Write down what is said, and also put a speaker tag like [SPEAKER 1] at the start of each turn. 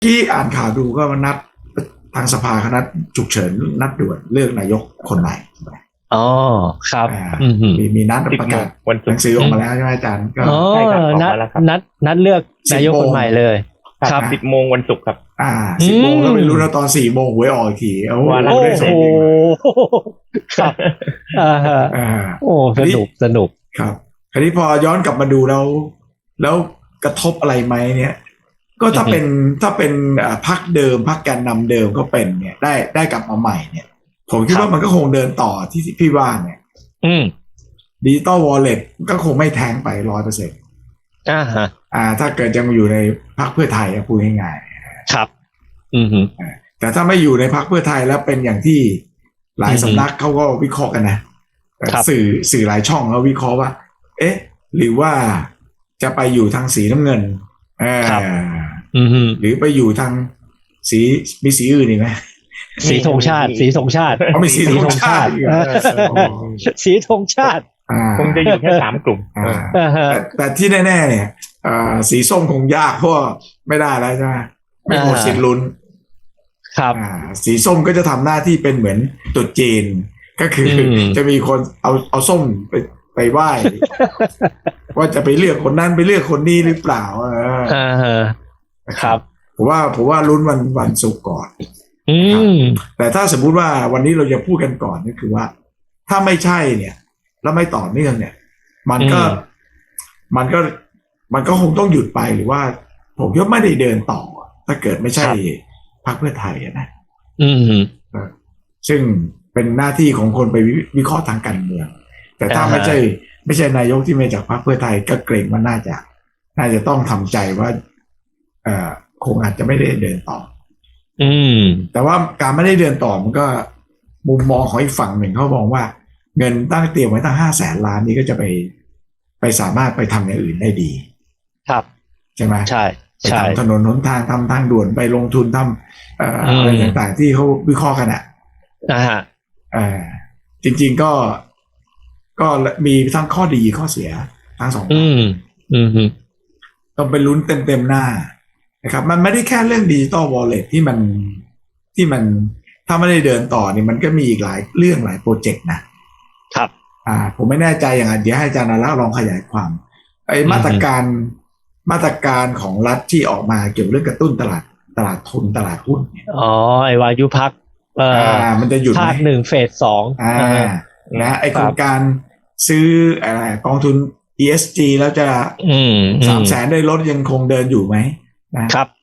[SPEAKER 1] ที่อ่านข่าวดูก็นัดทางสภาคณะฉุกเฉินนัดด่วนเลือกนายกคนใหม่
[SPEAKER 2] อ๋อครับ
[SPEAKER 1] อ่า
[SPEAKER 2] อืม
[SPEAKER 1] มีนัด
[SPEAKER 3] 10
[SPEAKER 1] ประกาศ
[SPEAKER 3] วันศุกร์
[SPEAKER 1] หนังสือออกมาแล้วใช่ไหมอาจารย์ก็
[SPEAKER 2] อ๋อ
[SPEAKER 3] ใช่ครับออก
[SPEAKER 2] นัด
[SPEAKER 3] มาแล้วครับ
[SPEAKER 2] นัดเลือกนายกคนใหม่เลยครับ
[SPEAKER 3] 10 โมงวันศุกร์ครับ
[SPEAKER 1] อ่า10 โมงแล้วไม่รู้นะตอน4 โมงหวยออกอีกทีโอ้โห
[SPEAKER 3] ว่าแล้ว
[SPEAKER 2] โอ้
[SPEAKER 1] ได้ส
[SPEAKER 2] โห
[SPEAKER 1] มจริง
[SPEAKER 2] ครับฮะ
[SPEAKER 1] อ่า
[SPEAKER 2] โอ้สนุก
[SPEAKER 1] ครับคราวนี้พอย้อนกลับมาดูแล้วกระทบอะไรไหมเนี่ยก็ถ้าเป็นพรรคเดิมพรรคแกนนำเดิมก็เป็นเนี่ยได้กลับมาใหม่เนี่ยผมคิดว่ามันก็คงเดินต่อที่พี่ว่าเนี่ย
[SPEAKER 2] อืม
[SPEAKER 1] ดิจิตอลวอลเล็ตก็คงไม่แทงไป100%
[SPEAKER 2] ฮะ
[SPEAKER 1] ถ้าเกิดยังอยู่ในพรรคเพื่อไทยพูดง่าย
[SPEAKER 2] ครับอืม
[SPEAKER 1] ๆแต่ถ้าไม่อยู่ในพรรคเพื่อไทยแล้วเป็นอย่างที่หลายสำนักเขาก็วิเคราะห์กันนะสื่อหลายช่องเขาวิเคราะห์ว่าเอ๊ะหรือว่าจะไปอยู่ทางสีน้ำเงินหรือไปอยู่ทางสีมีสีอื่นอีกไหม
[SPEAKER 2] สีธงชาติสีธงชาติ
[SPEAKER 1] มีสีธงชาติ
[SPEAKER 2] สีธงชาติ
[SPEAKER 3] คงจะอยู่แค่3 กลุ่ม
[SPEAKER 1] แต่ที่แน่ๆเนี่ยสีส้มคงยากเพราะไม่ได้แล้วใช่ไหมไม่หมดสิทธิ์ลุ้น
[SPEAKER 2] ครับ
[SPEAKER 1] สีส้มก็จะทำหน้าที่เป็นเหมือนตุ๊ดจีนก็คือจะมีคนเอาส้มไปไหว้ว่าจะไปเลือกคนนั้นไปเลือกคนนี้หรือเปล่า
[SPEAKER 2] ครับ
[SPEAKER 1] ผมว่าลุ้นวันศุกร์ก่อนแต่ถ้าสมมุติว่าวันนี้เราจะพูดกันก่อนก็คือว่าถ้าไม่ใช่เนี่ยแล้วไม่ต่อเนื่องเนี่ยมันก็คงต้องหยุดไปหรือว่าผมคิดว่าไม่ได้เดินต่อถ้าเกิดไม่ใช่พรรคเพื่อไทยนะซึ่งเป็นหน้าที่ของคนไปวิเคราะห์ทางการเมืองแต่ถ้าไม่ใช่นายกที่มาจากพรรคเพื่อไทยก็เกรงว่าน่าจะต้องทำใจว่าคงอาจจะไม่ได้เดินต่อแต่ว่าการไม่ได้เดินต่อมันก็มุมมองของอีกฝั่งหนึ่งเขาบอกว่าเงินตั้งเตรียมไว้ตั้ง500,000 ล้านนี้ก็จะไปสามารถไปทำอย่างอื่นได้ดี
[SPEAKER 2] ครับ
[SPEAKER 1] ใช่ไหม
[SPEAKER 2] ใช่
[SPEAKER 1] ไปทำถนนหนทางทำทางด่วนไปลงทุนทำอะไรต่างๆที่เขาวิเคราะห์กันจริงๆก็มีทั้งข้อดีข้อเสียทั้งสองต้องไปลุ้นเต็มหน้านะครับมันไม่ได้แค่เรื่องดิจิตอลวอลเล็ตที่มันถ้าไม่ได้เดินต่อนี่มันก็มีอีกหลายเรื่องหลายโปรเจกต์นะครับผมไม่แน่ใจอย่างเดี๋ยวให้อาจารย์นราลองขยายความไอ้มาตรการของรัฐที่ออกมาเกี่ยวเรื่องกระตุ้นตลาดทุนตลาดหุ้น
[SPEAKER 2] ไอ้วายุพัก
[SPEAKER 1] มันจะหยุดไหม
[SPEAKER 2] ภาค1เฟส2
[SPEAKER 1] นะไอ้โครงการซื้ออะไรกองทุน ESG แล้วจะ300,000ได้ลดยังคงเดินอยู่ไหมนะครับ